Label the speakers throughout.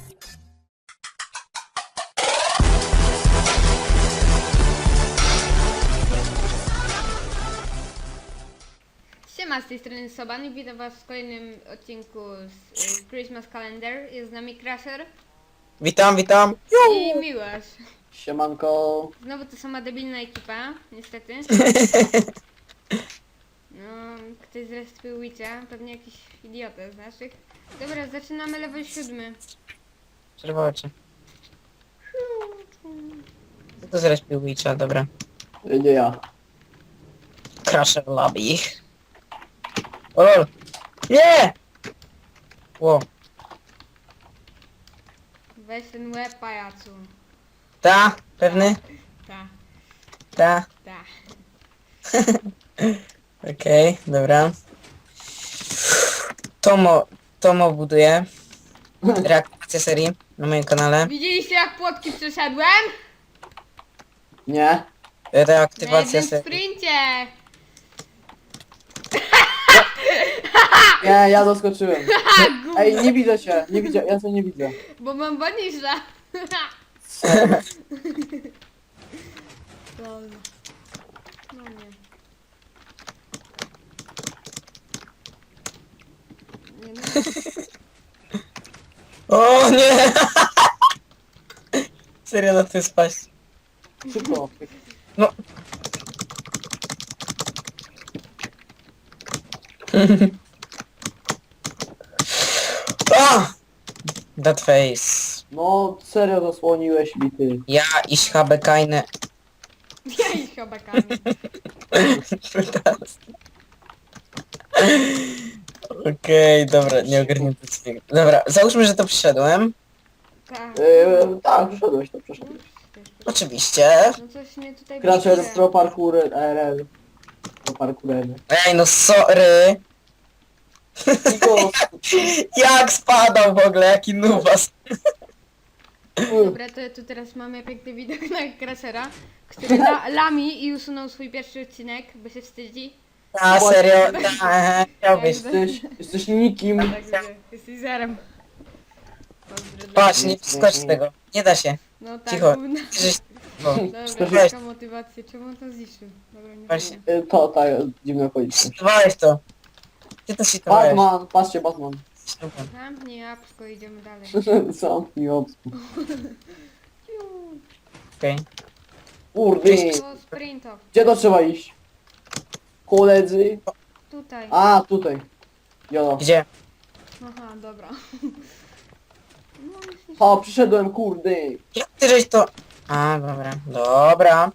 Speaker 1: Siema, z tej strony Soban i witam was w kolejnym odcinku z Christmas Calendar. Jest z nami Crusher
Speaker 2: Witam.
Speaker 1: i Miłosz.
Speaker 3: Siemanko.
Speaker 1: Znowu to sama debilna ekipa, niestety. No, ktoś zrespił Witcha, pewnie jakiś idiota z naszych. Dobra, zaczynamy level 7.
Speaker 2: Przerwało cię. Co to zrespił Witcha, dobra.
Speaker 3: Nie ja.
Speaker 2: Crusher lobby. O lol. Nie! Ło.
Speaker 1: Weź ten łeb, pajacu.
Speaker 2: Ta? Pewny?
Speaker 1: Ta,
Speaker 2: Ta.
Speaker 1: ta.
Speaker 2: Okej, dobra. Tomo buduje reaktywację serii na moim kanale.
Speaker 1: Widzieliście jak płotki przeszedłem?
Speaker 3: Nie.
Speaker 1: Na
Speaker 2: Reaktywacja
Speaker 1: jednym
Speaker 2: serii.
Speaker 1: sprincie!
Speaker 3: Nie, ja doskoczyłem.
Speaker 1: Ha, gówno,
Speaker 3: Ej, nie widzę cię. Nie widzę, ja cię nie widzę.
Speaker 1: bo mam banisza. Lol. No nie. Nie no.
Speaker 2: O nie! Serio na tym spaść.
Speaker 3: Szybko.
Speaker 2: No. Ah! That face.
Speaker 3: No, serio zasłoniłeś mi ty.
Speaker 2: Ja ich habe keine.
Speaker 1: Ja ich chłopakami.
Speaker 2: Okej, dobra, nie ogarnięty dźwięk. Dobra, załóżmy, że to przyszedłem.
Speaker 1: Tak.
Speaker 3: Tak, przeszedłeś to, przeszedłeś.
Speaker 2: Oczywiście.
Speaker 1: No coś mnie tutaj
Speaker 3: Crusher
Speaker 1: brakuje.
Speaker 3: pro parkour RL. Pro parkour RL.
Speaker 2: Ej, no sorry.
Speaker 3: Niko,
Speaker 2: Jak spadał w ogóle, jaki nubas.
Speaker 1: Dobra, to tu teraz mamy piękny widok na Crushera, który lami i usunął swój pierwszy odcinek, bo się wstydzi.
Speaker 2: A, serio? Chciałbyś.
Speaker 3: jesteś nikim.
Speaker 1: Tak, jesteś zerem. Pozdro dla
Speaker 2: Patrz, nie wskocz z tego. Nie da się.
Speaker 1: No tak,
Speaker 2: Cicho.
Speaker 1: gówno.
Speaker 2: Żeś... O,
Speaker 1: Dobra,
Speaker 2: weź.
Speaker 1: taka motywacja, czemu on to zniszczył? Dobra, nie
Speaker 2: Właśnie.
Speaker 1: wiem.
Speaker 3: To, tak, dziwna okoliczność.
Speaker 2: Czytowałeś to. Ty to czytowałeś.
Speaker 3: Batman, patrzcie, Batman.
Speaker 1: Zamknij jabłko, idziemy dalej.
Speaker 3: Zamknij obsku.
Speaker 2: Okej.
Speaker 3: Kurde.
Speaker 1: O, sprint off.
Speaker 3: Gdzie to trzeba iść? Koledzy.
Speaker 1: Tutaj.
Speaker 3: A, tutaj. Jolo.
Speaker 2: Gdzie?
Speaker 1: Aha, dobra. No, już nie...
Speaker 3: O, przyszedłem, kurde.
Speaker 2: Jak ty żeś to... A, dobra. Dobra.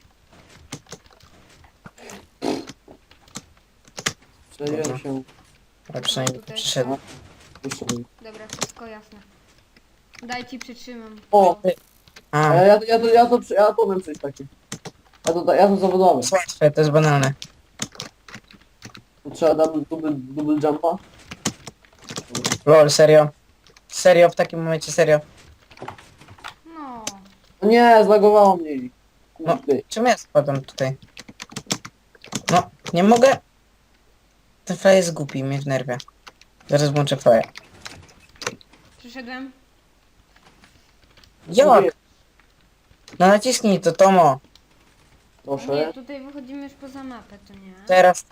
Speaker 3: Przejdziemy się.
Speaker 2: Ale przynajmniej
Speaker 1: Tutaj.
Speaker 2: przyszedł.
Speaker 3: Wyszedłem.
Speaker 1: Dobra, wszystko jasne. Daj ci przytrzymam.
Speaker 3: O,
Speaker 2: A,
Speaker 3: ja to umiem coś takiego. Ja to zawodowy.
Speaker 2: to jest łatwe, to jest banalne.
Speaker 3: To trzeba double jumpa.
Speaker 2: Lol, serio. Serio, w takim momencie serio.
Speaker 1: No.
Speaker 3: No nie, zlagowało mnie.
Speaker 2: No,
Speaker 3: Kurde.
Speaker 2: czemu ja spadam tutaj? No, nie mogę. Ten fly jest głupi, mnie wnerwia. Zaraz włączę fly.
Speaker 1: Przyszedłem.
Speaker 2: Jak? No naciśnij to, Tomo.
Speaker 1: No nie,
Speaker 3: Proszę.
Speaker 1: tutaj wychodzimy już poza mapę, to nie?
Speaker 2: Teraz.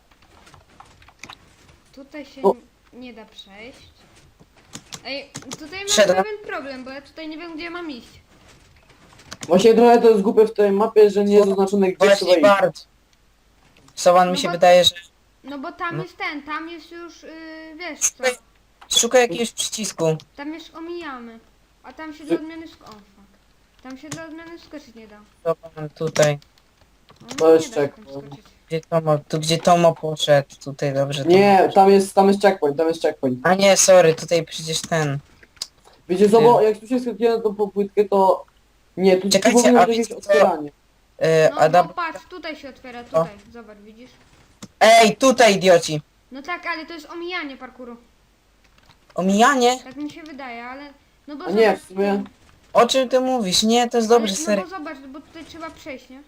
Speaker 1: Tutaj się
Speaker 3: O.
Speaker 1: nie da przejść. Ej, tutaj mam
Speaker 2: Wszedłem.
Speaker 1: pewien problem, bo ja tutaj nie wiem, gdzie mam iść.
Speaker 3: Właśnie trochę to jest głupie w tej mapie, że nie jest zaznaczone gdzie trzeba
Speaker 2: Właśnie
Speaker 3: iść.
Speaker 2: bardzo. Sowan
Speaker 1: No
Speaker 2: mi się
Speaker 1: bo-
Speaker 2: wydaje, że...
Speaker 1: No bo tam
Speaker 2: No.
Speaker 1: jest ten, tam jest już, wiesz co,
Speaker 2: Szukaj jakiegoś przycisku.
Speaker 1: tam już omijamy. A tam się dla odmiany o fuck. Tam się dla odmiany skoczyć nie da.
Speaker 2: Sowan tutaj.
Speaker 1: No,
Speaker 3: To jest
Speaker 1: nie da się tam
Speaker 3: checkpoint.
Speaker 1: skoczyć.
Speaker 2: Gdzie Tomo? Tu gdzie Tomo poszedł. Tutaj dobrze.
Speaker 3: Nie, tam jest checkpoint.
Speaker 2: A nie, sorry, tutaj przecież ten.
Speaker 3: Wiecie co, bo jak tu się skakuje na tą popłytkę, to... Nie, tu
Speaker 2: Czekajcie,
Speaker 3: powinno
Speaker 2: a
Speaker 3: być
Speaker 2: wiecie
Speaker 3: jakieś
Speaker 2: co?
Speaker 3: otwieranie.
Speaker 1: No, no patrz, tutaj się otwiera, tutaj, zobacz, widzisz?
Speaker 2: Ej, tutaj idioci.
Speaker 1: No tak, ale to jest omijanie parkuru.
Speaker 2: Omijanie?
Speaker 1: Tak mi się wydaje, ale... No bo
Speaker 3: A nie,
Speaker 1: zobacz,
Speaker 3: w sumie...
Speaker 2: O czym ty mówisz? Nie, to jest dobrze,
Speaker 1: ale, no
Speaker 2: serio.
Speaker 1: bo zobacz, bo tutaj trzeba przejść, nie?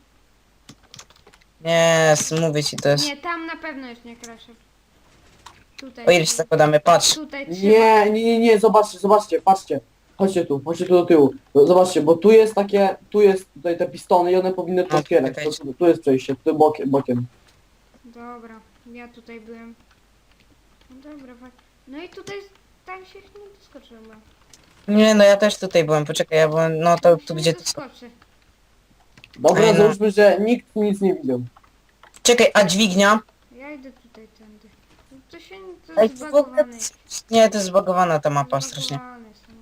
Speaker 2: Nie, mówię ci, to jest...
Speaker 1: Nie, tam na pewno jest nie Crusher. Tutaj.
Speaker 2: O ile się zakładamy, patrz.
Speaker 1: Tutaj trzeba.
Speaker 3: Nie, zobaczcie, patrzcie. chodźcie tu do tyłu. No, zobaczcie, bo tu jest takie, tu jest tutaj te pistony i one powinny to
Speaker 2: No,
Speaker 3: otwierać.
Speaker 2: czekajcie.
Speaker 3: Tu jest przejście, tu bokiem.
Speaker 1: Dobra, ja tutaj byłem. No dobra, no i tutaj tam się nie doskoczyłem.
Speaker 2: Nie, no ja też tutaj byłem, poczekaj, ja byłem, no to tu gdzie...
Speaker 1: Doskoczy.
Speaker 3: Dobra,
Speaker 2: Ej, no.
Speaker 3: załóżmy, że nikt nic nie widział.
Speaker 2: Czekaj, a dźwignia?
Speaker 1: Ja idę tutaj tędy. No to się to
Speaker 2: Ej,
Speaker 1: jest
Speaker 2: to w ogóle...
Speaker 1: zbagowane.
Speaker 2: Nie, to jest zbagowana ta mapa strasznie.
Speaker 1: Zbagowane są.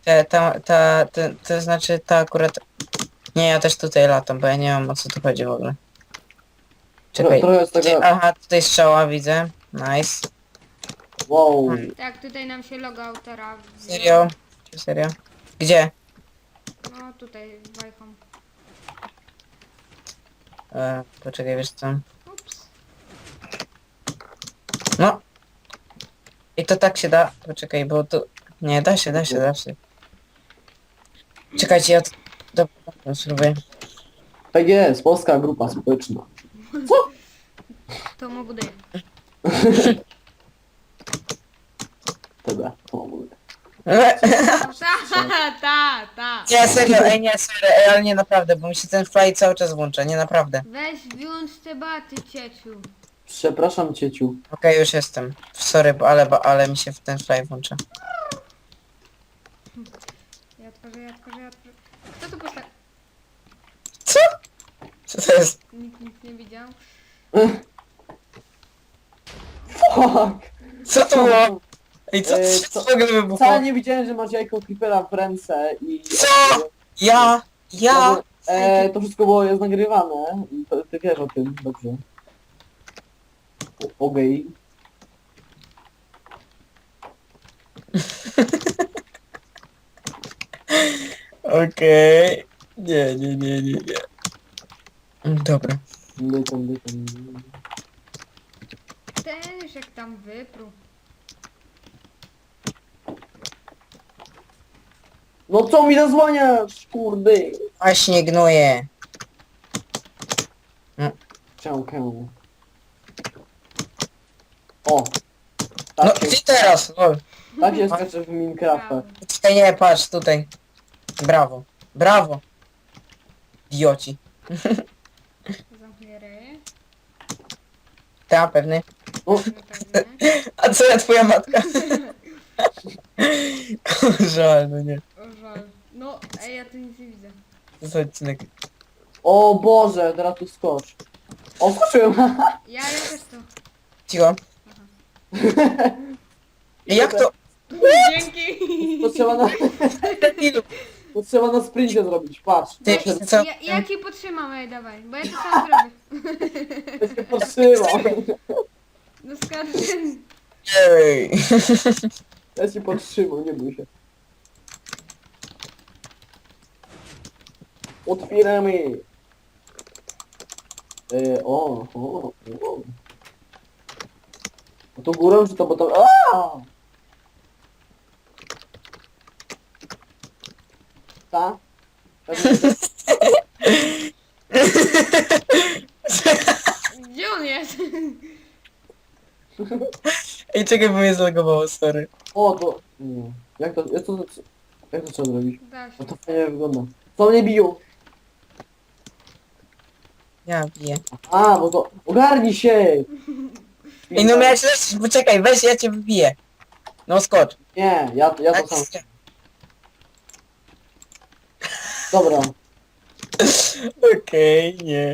Speaker 2: To znaczy ta akurat... Nie, ja też tutaj latam, bo ja nie wiem o co tu chodzi w ogóle. Czekaj.
Speaker 3: Trochę jest taka,
Speaker 2: Aha, tutaj strzała widzę. Nice.
Speaker 3: wow.
Speaker 1: Tak, tutaj nam się logo autora.
Speaker 2: Serio? Serio? Gdzie?
Speaker 1: No tutaj wajchą.
Speaker 2: Poczekaj, wiesz co?
Speaker 1: Ups.
Speaker 2: No. I to tak się da. Poczekaj, bo tu... Nie, da się. Czekajcie, ja to... Dobra, spróbuję.
Speaker 3: Tak jest, polska grupa społeczna.
Speaker 1: To mogę daję.
Speaker 3: Tebe, to mówię.
Speaker 1: Ta.
Speaker 2: Nie, serio, nie, serio, ale nie naprawdę, bo mi się ten fly cały czas włącza, nie naprawdę.
Speaker 1: Weź wyłącz te baty, cieciu.
Speaker 3: Przepraszam cieciu.
Speaker 2: Okej, już jestem. Sorry, ale mi się w ten fly włącza.
Speaker 1: Ja otworzę. Kto tu postawił?
Speaker 2: Co? Co to jest?
Speaker 1: Nikt nic nie widział.
Speaker 3: Fuck!
Speaker 2: Co to było? Ej, co
Speaker 3: Co?
Speaker 2: to w ogóle wybuchło?
Speaker 3: Wcale nie widziałem, że masz jajko creepera w ręce i...
Speaker 2: Co? Ja?
Speaker 3: To wszystko jest nagrywane i ty wiesz o tym, dobrze. Okej.
Speaker 2: Okej. Nie. Dobra.
Speaker 3: Dytam.
Speaker 1: Ten już jak tam wyprół.
Speaker 3: No co mi zasłaniasz, kurde?
Speaker 2: Właśnie gnuję.
Speaker 3: Ciałkę. O!
Speaker 2: No,
Speaker 3: Tak
Speaker 2: gdzie
Speaker 3: się,
Speaker 2: teraz? Lol.
Speaker 3: tak się skacze w Minecrafta.
Speaker 2: Czekaj, nie, patrz, tutaj. Brawo. Idioci.
Speaker 1: Zamknę ryj.
Speaker 2: Ta, pewny.
Speaker 3: O,
Speaker 1: No pewnie.
Speaker 2: A co ja, twoja matka? Żal, no nie.
Speaker 1: O żal. No, ej, ja tu nic nie widzę.
Speaker 2: To jest odcinek.
Speaker 3: o Boże, teraz tu skocz. O, skoczyłem!
Speaker 1: Ja też to.
Speaker 2: Cicho. Jak to?
Speaker 1: Dzięki.
Speaker 3: To trzeba na, to trzeba na sprincie zrobić, patrz.
Speaker 2: Ty,
Speaker 3: Proszę,
Speaker 2: co?
Speaker 1: Ja ci podtrzymam, ej, dawaj, bo ja to sam zrobię.
Speaker 3: ja się podtrzymał.
Speaker 1: No skąd?
Speaker 2: Ej.
Speaker 3: Ja się podtrzymał, nie bój się. Otwieramy. O. A to górą czy to bo to... Aaaa! Ta?
Speaker 1: Gdzie on jest?
Speaker 2: Ej, czekaj, bo mnie zlogowało, sorry.
Speaker 3: O, to... Nie. Jak to trzeba zrobić?
Speaker 1: Da się.
Speaker 3: No to fajnie wygląda. Co mnie biją?
Speaker 2: Ja biję.
Speaker 3: A, bo to... Ogarnij się!
Speaker 2: Ej, no miałeś lecieć, poczekaj, weź, ja cię wybiję. No skocz.
Speaker 3: Nie, ja to sam.
Speaker 2: Tak,
Speaker 3: Dobra.
Speaker 2: Okej, nie.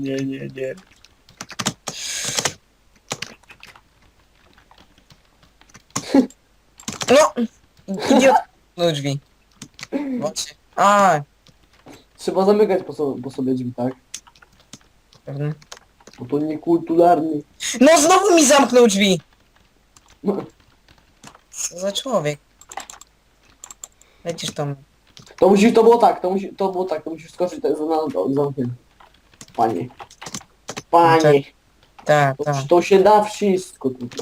Speaker 2: No! Idiot. No drzwi. Właśnie. A,
Speaker 3: Trzeba zamykać po sobie drzwi, tak?
Speaker 2: pewnie.
Speaker 3: Bo to niekulturalny.
Speaker 2: No znowu mi zamknął drzwi!
Speaker 3: No,
Speaker 2: Co za człowiek? Lecisz tam.
Speaker 3: to było tak, to musisz skoczyć tak na zamknięcie. Panie.
Speaker 2: Tak.
Speaker 3: To się da wszystko tutaj.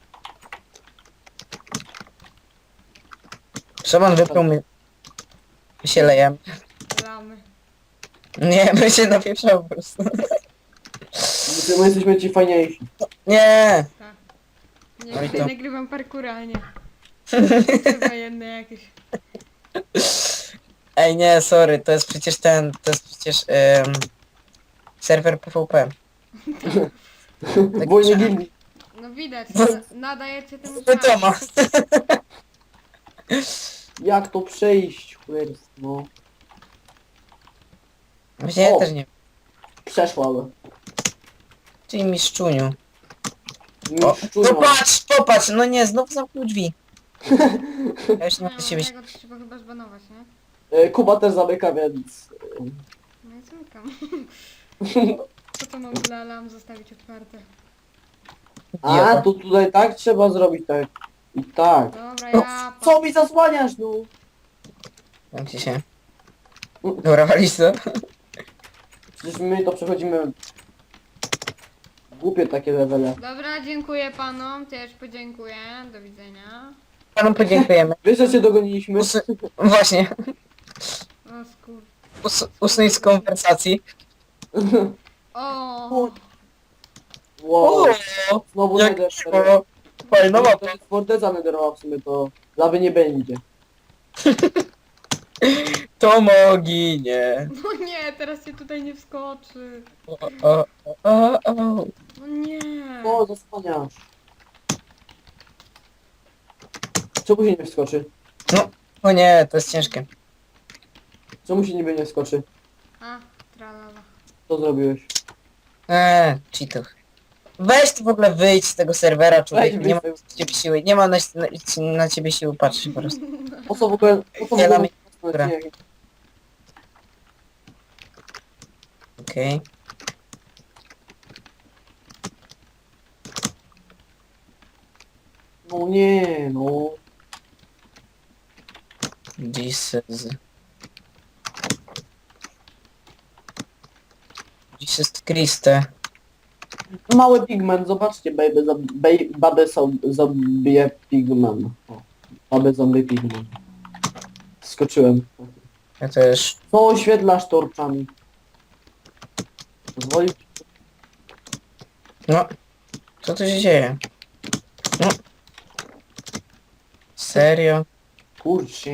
Speaker 2: Szymon wypluł mi. My się lejemy.
Speaker 1: Lamy.
Speaker 2: Nie, my się napieprzał po prostu.
Speaker 3: My jesteśmy ci fajniejsi.
Speaker 2: Nie!
Speaker 1: Tak.
Speaker 2: No i
Speaker 1: Nie,
Speaker 2: to.
Speaker 1: nagrywam parkour, a nie. Chyba jedne jakieś.
Speaker 2: Ej, nie, sorry, to jest przecież serwer PvP. Tak
Speaker 3: Wojnie
Speaker 2: pisze.
Speaker 3: gildii.
Speaker 1: No widać,
Speaker 2: No.
Speaker 1: nadajecie temu
Speaker 2: No to ma.
Speaker 3: Jak to przejść? Chłopstwo, no.
Speaker 2: Właśnie ja
Speaker 3: O.
Speaker 2: też nie.
Speaker 3: Przeszła.
Speaker 2: Czyli miszczuniu. O,
Speaker 3: Miszczunia.
Speaker 2: no patrz, popatrz, no nie, znowu zamknął drzwi. Ja już nie
Speaker 1: No,
Speaker 2: mogę siebie...
Speaker 1: tego to trzeba chyba zbanować, nie?
Speaker 3: Kuba też zamyka, więc...
Speaker 1: No i zamykam. Po co mam dla lam zostawić otwarte?
Speaker 3: A, to tutaj tak trzeba zrobić, tak. I tak.
Speaker 1: Dobra, ja...
Speaker 3: Co mi zasłaniasz, no?
Speaker 2: Jak ci się... Dobra, walisz to?
Speaker 3: Przecież my to przechodzimy... Głupie takie levele.
Speaker 1: Dobra, dziękuję panom, też podziękuję, do widzenia.
Speaker 2: Panu podziękujemy.
Speaker 3: Wiesz, że cię dogoniliśmy?
Speaker 2: Właśnie,
Speaker 1: O skur...
Speaker 2: usuń z konwersacji.
Speaker 1: O!
Speaker 3: Wow.
Speaker 2: O,
Speaker 3: Znowu
Speaker 2: jak
Speaker 3: nether.
Speaker 2: miło. Fajna
Speaker 3: To
Speaker 2: mapa.
Speaker 3: jest forteza netherowa w sumie, to lawy nie będzie.
Speaker 2: To moginie.
Speaker 1: No nie, teraz się tutaj nie wskoczy.
Speaker 2: O.
Speaker 1: No nie.
Speaker 3: O, zasłaniasz. Czemu się nie wskoczy?
Speaker 2: O nie, to jest ciężkie.
Speaker 3: Czemu się niby nie wskoczy?
Speaker 1: A, tralala.
Speaker 3: Co zrobiłeś?
Speaker 2: Cheatów. Weź tu w ogóle wyjdź z tego serwera, człowieku.
Speaker 3: Weź
Speaker 2: Nie ma
Speaker 3: wyjdź.
Speaker 2: na ciebie siły. Nie ma na ciebie siły patrzeć po prostu.
Speaker 3: Po co w ogóle... Po co w
Speaker 2: Ja
Speaker 3: ogóle...
Speaker 2: dam- Dobra. Okej.
Speaker 3: No nie, no.
Speaker 2: Jesus. Jesus Christe.
Speaker 3: Mały pigment, zobaczcie, babę zombie pigment. O, babę zombie pigment. Skoczyłem.
Speaker 2: Ja też.
Speaker 3: Co oświetlasz torczami? Pozwolisz?
Speaker 2: No. Co tu się dzieje? No. Serio?
Speaker 3: Kurczę.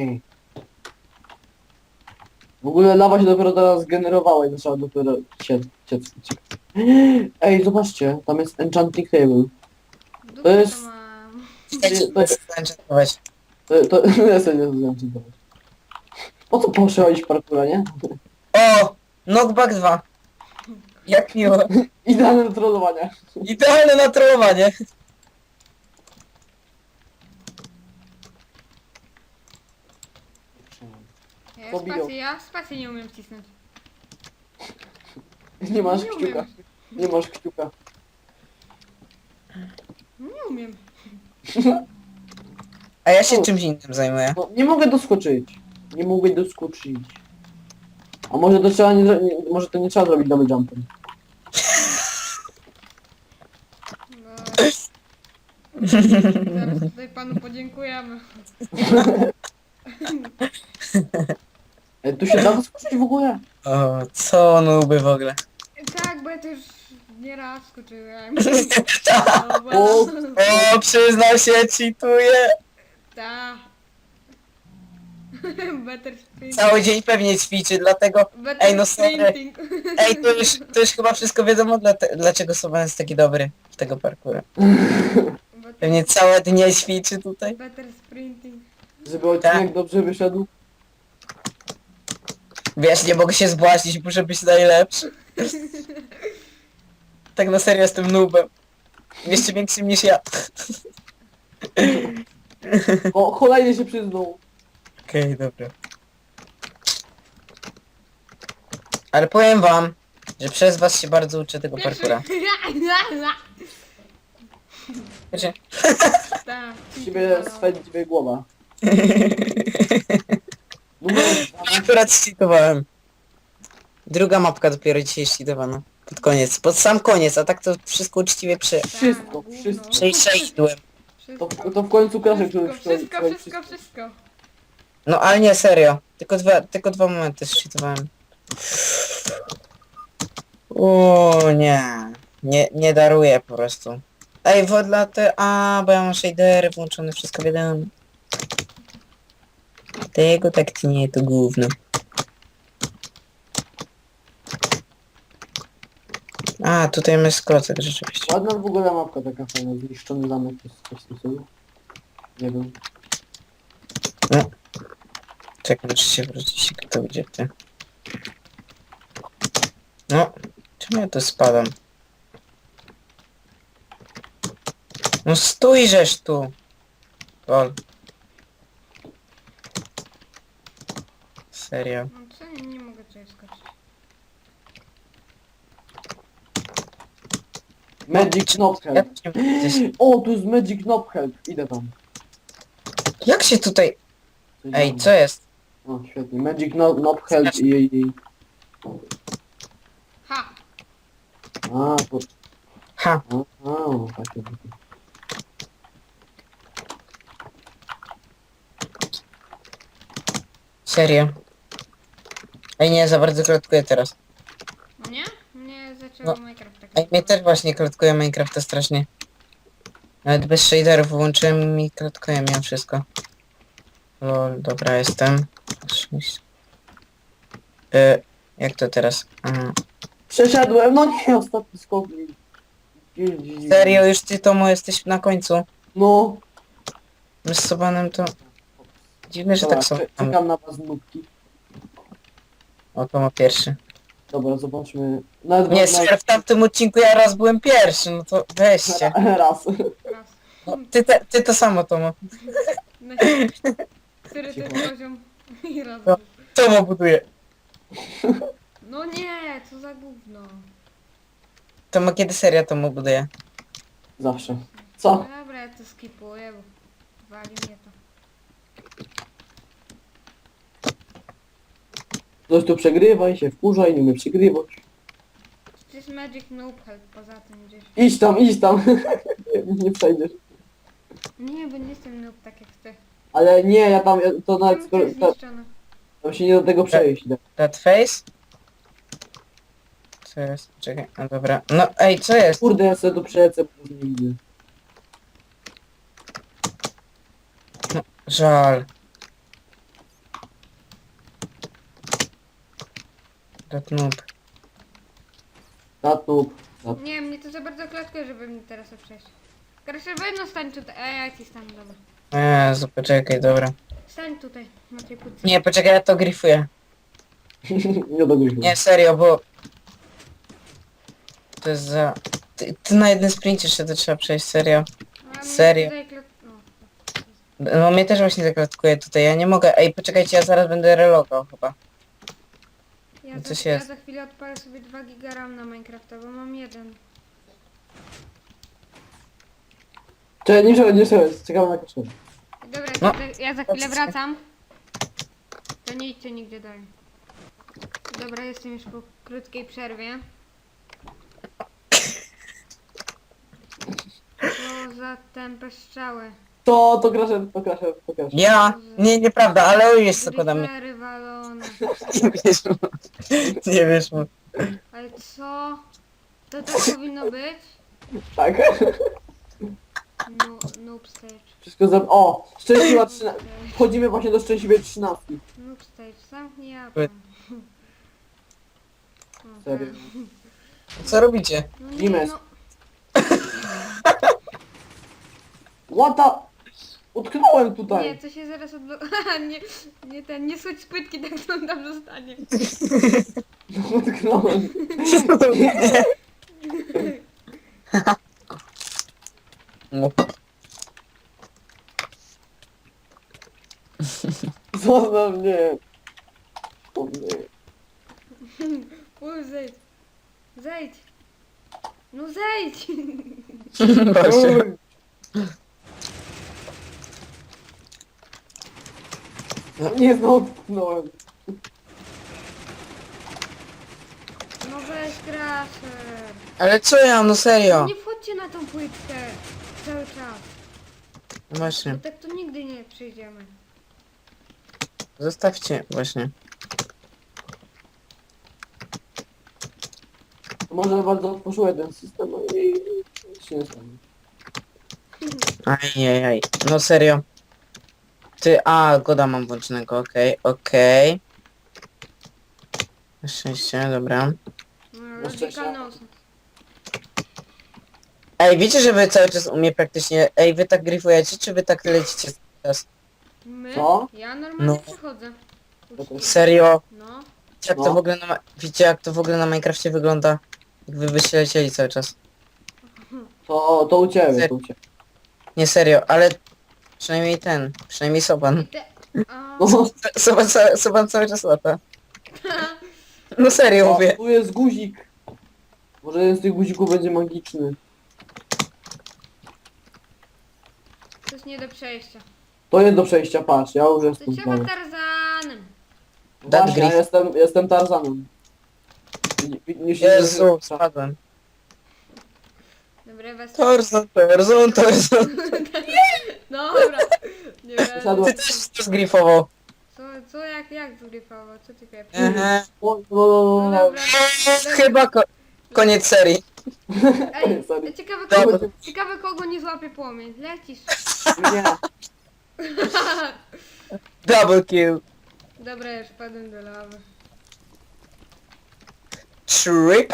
Speaker 3: W ogóle lawa się dopiero teraz generowała i zaczęła dopiero ciec. Ej, zobaczcie, tam jest enchanting table.
Speaker 1: Dupę
Speaker 3: jest-
Speaker 1: to mam.
Speaker 3: To jest...
Speaker 2: Enchantować.
Speaker 3: To ja sobie nie zenchantować. Po co poszłeś parkura, nie?
Speaker 2: O! Knockback 2. Jak miło.
Speaker 3: Idealne do trollowania.
Speaker 2: Idealne na trollowanie.
Speaker 1: Ja spację nie umiem wcisnąć.
Speaker 3: Nie masz
Speaker 1: Nie
Speaker 3: kciuka.
Speaker 1: umiem.
Speaker 3: Nie masz kciuka.
Speaker 1: Nie umiem.
Speaker 2: A ja się czymś innym zajmuję.
Speaker 3: No, nie mogę doskoczyć. Nie mogę doskoczyć. A może to trzeba może to nie trzeba zrobić double jumpem.
Speaker 1: No. Zaraz tutaj panu podziękujemy.
Speaker 3: Tu się da doskoczyć w ogóle?
Speaker 2: O, co nuby w ogóle.
Speaker 1: Tak, bo ja to już nieraz skoczyłem.
Speaker 3: O,
Speaker 2: O, przyznał się, cheatuje.
Speaker 1: Ta. Better sprinting.
Speaker 2: Cały dzień pewnie ćwiczy, dlatego...
Speaker 1: Better
Speaker 2: Ej, no sorry.
Speaker 1: sprinting.
Speaker 2: Ej, to już chyba wszystko wiadomo, dlaczego Soban jest taki dobry w tego parkoura. Pewnie całe dnie ćwiczy tutaj.
Speaker 1: Better sprinting.
Speaker 3: żeby odcinek dobrze wyszedł.
Speaker 2: Wiesz, nie mogę się zbłaźnić, muszę być najlepszy. Tak na serio jestem noobem. Jeszcze większym niż ja.
Speaker 3: O, kolejny się przyznał.
Speaker 2: Okej, dobra. Ale powiem wam, że przez was się bardzo uczę tego parkoura. Wiecie?
Speaker 1: Tak.
Speaker 3: Z ciebie swędzi głowa. Numer
Speaker 2: Akurat cheatowałem. Druga mapka dopiero dzisiaj cheatowana. Pod koniec, pod sam koniec, a tak to wszystko uczciwie
Speaker 3: Wszystko.
Speaker 2: przejściłem.
Speaker 3: To w końcu Kraszek, który
Speaker 1: Wszystko.
Speaker 2: No ale nie, serio. Tylko dwa momenty cheatowałem. O nie. Nie daruję po prostu. Ej, bo ja mam shadery włączone, wszystko wiadomo. Tego tak tnie to gówno. A, tutaj jest klocek rzeczywiście.
Speaker 3: Ładna w ogóle mapka taka fajna, zniszczony zamek, to jest coś w tym stylu. Nie wiem.
Speaker 2: No. Czekaj, muszę się wrócić, kto gdzie ty. No, czemu ja tu spadam? No stójżeż tu! Lol. Serio.
Speaker 1: No co? Nie mogę tutaj skoczyć.
Speaker 3: Magic Knob
Speaker 2: Ja
Speaker 3: Help.
Speaker 2: tu nie widzę.
Speaker 3: O, tu jest Magic Knob Help. Idę tam.
Speaker 2: Jak się tutaj...
Speaker 3: Coś
Speaker 2: Ej,
Speaker 3: tam.
Speaker 2: co jest?
Speaker 3: O, świetnie. Magic Knob Help i...
Speaker 1: Ha!
Speaker 3: A, to...
Speaker 2: Ha!
Speaker 3: Takie.
Speaker 2: Serio. Ej, nie, za bardzo klatkuję teraz.
Speaker 1: No nie? Mnie zaczęło
Speaker 2: No.
Speaker 1: Minecraft tak.
Speaker 2: Ej, mnie też właśnie klatkuje Minecrafta strasznie. Nawet bez shaderów włączyłem i klatkuje mnie wszystko. Lol, dobra, jestem. Jak to teraz?
Speaker 3: Przeszedłem, no nie, ostatni skok.
Speaker 2: Serio, już ty Tomo jesteś na końcu.
Speaker 3: No.
Speaker 2: My z Sobanem to... Dziwne, że
Speaker 3: Dobra,
Speaker 2: tak są.
Speaker 3: czekam na was nubki.
Speaker 2: O, Tomo pierwszy.
Speaker 3: Dobra, zobaczmy. Nawet
Speaker 2: Nie, serio, w tamtym odcinku ja raz byłem pierwszy, no to weźcie.
Speaker 3: Raz.
Speaker 1: Raz.
Speaker 2: No, ty to samo, Tomo.
Speaker 1: No, który to jest poziom? I raz.
Speaker 2: No. Tomo buduje.
Speaker 1: No nie, co za gówno.
Speaker 2: Tomo, kiedy seria Tomo buduje?
Speaker 3: Zawsze.
Speaker 1: No
Speaker 3: Co?
Speaker 1: dobra, ja to skipuję, bo wali mnie to.
Speaker 3: Ktoś tu przegrywa i się wkurza i nie umie przegrywać.
Speaker 1: To jest Magic Noob Help poza tym gdzieś.
Speaker 3: Idź tam, idź tam. nie przejdziesz.
Speaker 1: Nie, bo nie jestem noob tak jak ty.
Speaker 3: Ale nie, to nawet
Speaker 1: Czemu to jest zniszczone?
Speaker 3: tam się nie do tego przejść.
Speaker 2: That face? Co jest? Czekaj, no dobra. No ej, co jest?
Speaker 3: Kurde, ja sobie tu przelecę, bo już nie widzę.
Speaker 2: Żal. That noob.
Speaker 3: Tatub.
Speaker 1: Nie, mnie to za bardzo klatkuje, żeby mi teraz to przejść. Krasher, weź no stań tutaj. Ja ci stanę, dobra.
Speaker 2: Jezu, poczekaj, dobra.
Speaker 1: Stań tutaj, na tej płytce.
Speaker 2: Nie, poczekaj, ja to gryfuję.
Speaker 3: nie dogryźmy.
Speaker 2: Nie, serio, bo... To jest za... Ty na jednym sprincie jeszcze to trzeba przejść, serio.
Speaker 1: A mnie
Speaker 2: serio?
Speaker 1: tutaj
Speaker 2: No mnie też właśnie zaklatkuje tutaj, ja nie mogę... Ej, poczekajcie, ja zaraz będę relogał chyba.
Speaker 1: Ja
Speaker 2: Coś
Speaker 1: ja
Speaker 2: jest.
Speaker 1: za chwilę odpalę sobie 2 giga RAM na Minecrafta, bo mam jeden.
Speaker 3: Czekaj, nie przejdź, czekamy na koszulę.
Speaker 1: Dobra,
Speaker 2: No.
Speaker 1: ja za chwilę wracam. To nie idźcie nigdzie dalej. Dobra, jestem już po krótkiej przerwie. Co za tępe strzały.
Speaker 3: To Crasher.
Speaker 2: Ja? Nie, nieprawda, ale on jest tylko na mnie.
Speaker 1: Creepery walone.
Speaker 2: Nie wiesz mu. Nie wiesz mu.
Speaker 1: Ale co? To tak powinno być?
Speaker 3: Tak.
Speaker 1: No, noob stage.
Speaker 3: Wszystko O! Szczęśliwa 13. Wchodzimy właśnie do szczęśliwej 13.
Speaker 1: Noob stage, zamknij ja.
Speaker 2: Wy-
Speaker 3: Serio.
Speaker 2: Co robicie?
Speaker 1: No nie,
Speaker 3: Limes.
Speaker 1: no.
Speaker 3: What the... Utknąłem
Speaker 1: Nie,
Speaker 3: tutaj.
Speaker 1: to się zaraz odblokuje. Nie schodź z płytki, tak to on tam zostanie.
Speaker 3: Utknąłem.
Speaker 2: No.
Speaker 3: Zostaw mnie. O nie.
Speaker 1: Zejdź. Zejdź. No zejdź.
Speaker 2: Właśnie.
Speaker 3: Nie, znowu utknąłem.
Speaker 1: No weź Crasher.
Speaker 2: Ale co ja, no serio?
Speaker 1: Nie wchodźcie na tą płytkę. Cały czas. Bo
Speaker 2: Właśnie,
Speaker 1: tak to nigdy nie przyjdziemy.
Speaker 2: zostawcie, właśnie.
Speaker 3: Może bardzo otworzyłem ten system, no i nic się nie stanie.
Speaker 2: Ajajaj, no serio. Goda mam włączonego, okej. Na szczęście, dobra.
Speaker 1: No, Logical nonsense.
Speaker 2: Ej, wiecie, że wy cały czas u mnie praktycznie... Ej, wy tak gryfujecie, czy wy tak lecicie cały czas?
Speaker 1: My?
Speaker 3: Co?
Speaker 1: Ja normalnie
Speaker 2: No.
Speaker 1: przechodzę.
Speaker 2: Serio?
Speaker 1: No.
Speaker 2: Jak
Speaker 3: No.
Speaker 2: to w ogóle wiecie, jak to w ogóle na Minecrafcie wygląda? Jak wy byście lecieli cały czas.
Speaker 3: To u ciebie, to u ciebie.
Speaker 2: Nie serio, ale... Przynajmniej Soban.
Speaker 1: I te... A...
Speaker 3: No,
Speaker 2: Soban cały czas lata. No serio
Speaker 3: o,
Speaker 2: mówię.
Speaker 3: tu jest guzik. Może jeden z tych guzików będzie magiczny.
Speaker 1: To jest nie do przejścia.
Speaker 3: To jest do przejścia, patrz, ja już
Speaker 1: To
Speaker 3: jestem
Speaker 1: trzeba
Speaker 3: znowu.
Speaker 1: Tarzanem.
Speaker 3: Właśnie, ja
Speaker 2: Griff.
Speaker 3: jestem Tarzanem. Nie się
Speaker 2: Jezu, spadłem.
Speaker 1: Dobra, was...
Speaker 2: Tarzan.
Speaker 1: Dobra. Nie wiem.
Speaker 3: Usiadłem.
Speaker 2: Ty też to zgrifował.
Speaker 1: Jak zgrypało? Co ty pierwszy?
Speaker 2: Aha.
Speaker 1: No dobra.
Speaker 2: Chyba koniec serii.
Speaker 1: Ej,
Speaker 3: Sorry.
Speaker 1: ciekawe kogo nie złapie płomień. Lecisz.
Speaker 3: Nie.
Speaker 2: Double kill.
Speaker 1: Dobra, już wpadłem do lawy.
Speaker 2: Trip.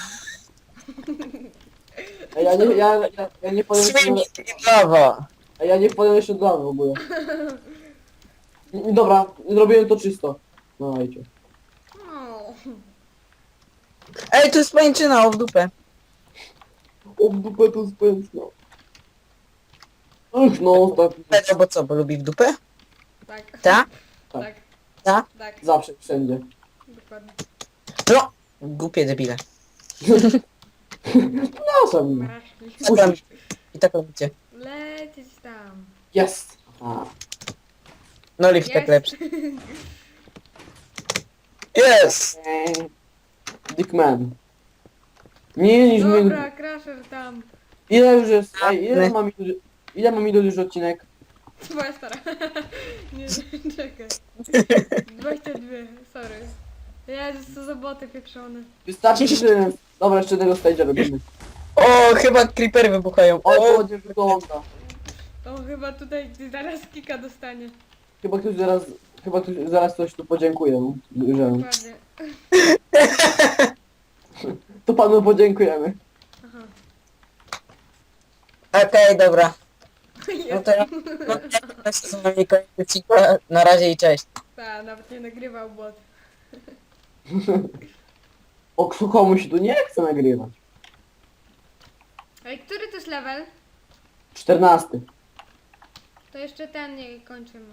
Speaker 3: Ej, ja nie powiem jeszcze...
Speaker 2: Swing i lava.
Speaker 3: Ej, ja nie powiem jeszcze dla w ogóle. Dobra, zrobiłem to czysto. No, dajcie.
Speaker 1: O.
Speaker 2: Ej, tu jest pańczyna, o w dupę.
Speaker 3: O, w dupę to spędzno. Ach, no, tak.
Speaker 2: Pedro, bo co, bo lubi w dupę?
Speaker 1: Tak.
Speaker 2: Ta?
Speaker 1: Tak.
Speaker 2: Ta?
Speaker 1: Tak.
Speaker 3: Zawsze, wszędzie.
Speaker 1: Dokładnie.
Speaker 2: No! Głupie debile.
Speaker 3: Przepraszam.
Speaker 1: Maraszki.
Speaker 2: Co tam? I tak robicie.
Speaker 1: Lecieć tam.
Speaker 3: Jest. A.
Speaker 2: No lift tak
Speaker 1: Jest.
Speaker 2: lepszy. Yes!
Speaker 3: Dickman. Nie niż my.
Speaker 1: Dobra, Crusher tam.
Speaker 3: Ile już jest? Ej,
Speaker 2: My.
Speaker 3: ile ma minut już odcinek?
Speaker 1: Twoja stara. Nie, czekaj. 22, sorry. Jezus, co za boty pieprzone.
Speaker 3: Wystarczy, że... Dobra, jeszcze tego stage'a robimy.
Speaker 2: O, chyba creepery wybuchają.
Speaker 3: O, to
Speaker 2: O,
Speaker 3: ładnie wygląda.
Speaker 1: O, chyba tutaj zaraz kika dostanie.
Speaker 3: Chyba ktoś zaraz coś tu podziękuję, że...
Speaker 1: Dokładnie.
Speaker 3: To panu podziękujemy.
Speaker 1: Aha.
Speaker 2: okej, dobra. No
Speaker 1: Jest.
Speaker 2: to ja... No, ja z wami kończę odcinka. Na razie i cześć.
Speaker 1: Ta, nawet nie nagrywał bot.
Speaker 3: O, komuś tu nie chce nagrywać.
Speaker 1: Ej, który to jest level?
Speaker 3: 14.
Speaker 1: To jeszcze ten nie kończymy.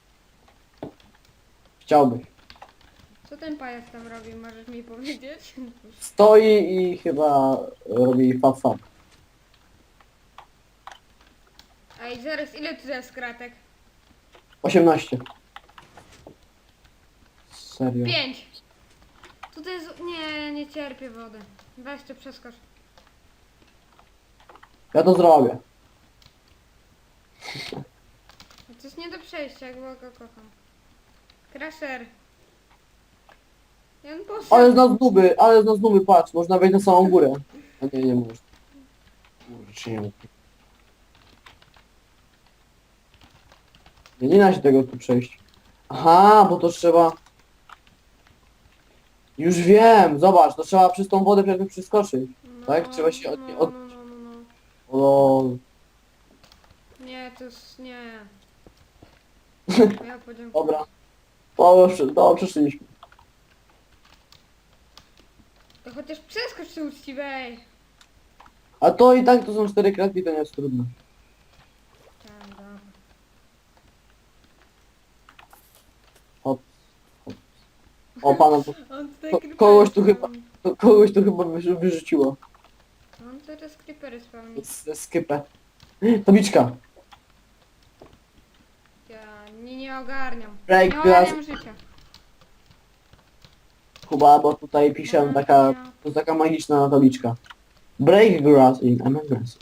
Speaker 3: Chciałbyś.
Speaker 1: Co ten pajac tam robi, możesz mi powiedzieć?
Speaker 3: Stoi i chyba robi fab.
Speaker 1: Ej, zaraz, ile tu jest kratek?
Speaker 3: 18. Serio.
Speaker 1: 5. Tutaj jest... Nie, nie cierpię wody. Weź to przeskocz.
Speaker 3: Ja to zrobię.
Speaker 1: To jest nie do przejścia, jak go kocham. Crusher. Ja bym poszedł.
Speaker 3: Ale z nas nuby, patrz, można wejść na samą górę. A nie można. Może czy nie mógł. Nie da się tego tu przejść. Aha, bo to trzeba... Już wiem, zobacz, to trzeba przez tą wodę pewnie przeskoczyć.
Speaker 1: No,
Speaker 3: tak? Trzeba się od-
Speaker 1: No.
Speaker 3: O,
Speaker 1: Nie, to jest... Nie. Ja podziękuję.
Speaker 3: dobra. Dobrze, przeszliśmy.
Speaker 1: To chociaż przeskocz się uczciwej.
Speaker 3: A to i tak to są 4 kratki, to nie jest trudno.
Speaker 1: Tak, dobra.
Speaker 3: Hop. O, pana,
Speaker 1: On tutaj
Speaker 3: Ko-
Speaker 1: creepery
Speaker 3: kogoś tu
Speaker 1: spełni.
Speaker 3: kogoś tu chyba wyrzuciło.
Speaker 1: On teraz creepery spełni.
Speaker 3: Skypę. Tabliczka.
Speaker 1: Ja nie ogarniam.
Speaker 3: Break
Speaker 1: Nie
Speaker 3: glass.
Speaker 1: ogarniam życia.
Speaker 3: Kuba, bo tutaj piszę to jest taka magiczna tabliczka. Break grass in Among Us.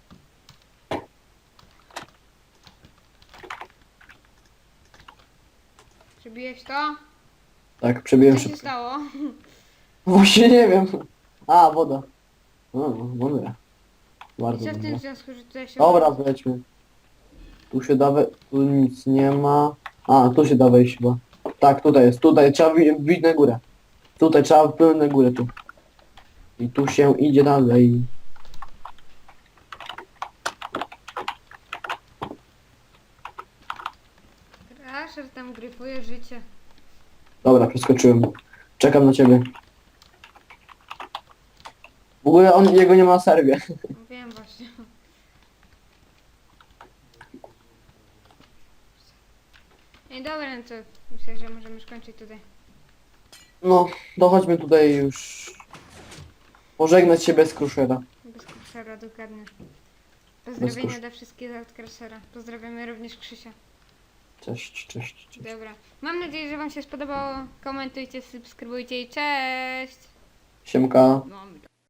Speaker 1: Przebiłeś to?
Speaker 3: Tak, przebiłem
Speaker 1: Co się
Speaker 3: szybko.
Speaker 1: stało?
Speaker 3: Właśnie nie wiem. A, woda. O, mądre. Bardzo
Speaker 1: Co w tym
Speaker 3: mądre.
Speaker 1: związku, że tutaj się...
Speaker 3: Dobra, wejdźmy. Tu się da tu nic nie ma. A, tu się da wejść chyba. Tak, tutaj jest, tutaj trzeba wbić na górę. Tutaj trzeba wpłynąć na górę tu. I tu się idzie dalej.
Speaker 1: Crusher tam gryfuje życie.
Speaker 3: Dobra, przeskoczyłem. Czekam na ciebie. W ogóle jego nie ma na serwie.
Speaker 1: Wiem właśnie. Ej, dobra, no to myślę, że możemy skończyć tutaj.
Speaker 3: No, to chodźmy tutaj już. Pożegnać się bez Crushera.
Speaker 1: Bez Crushera, dokładnie. Pozdrowienia dla wszystkich od Crushera. Pozdrawiamy również Krzysia.
Speaker 3: Cześć, cześć, cześć.
Speaker 1: Dobra. Mam nadzieję, że wam się spodobało. Komentujcie, subskrybujcie i cześć!
Speaker 3: Siemka.
Speaker 1: Mamy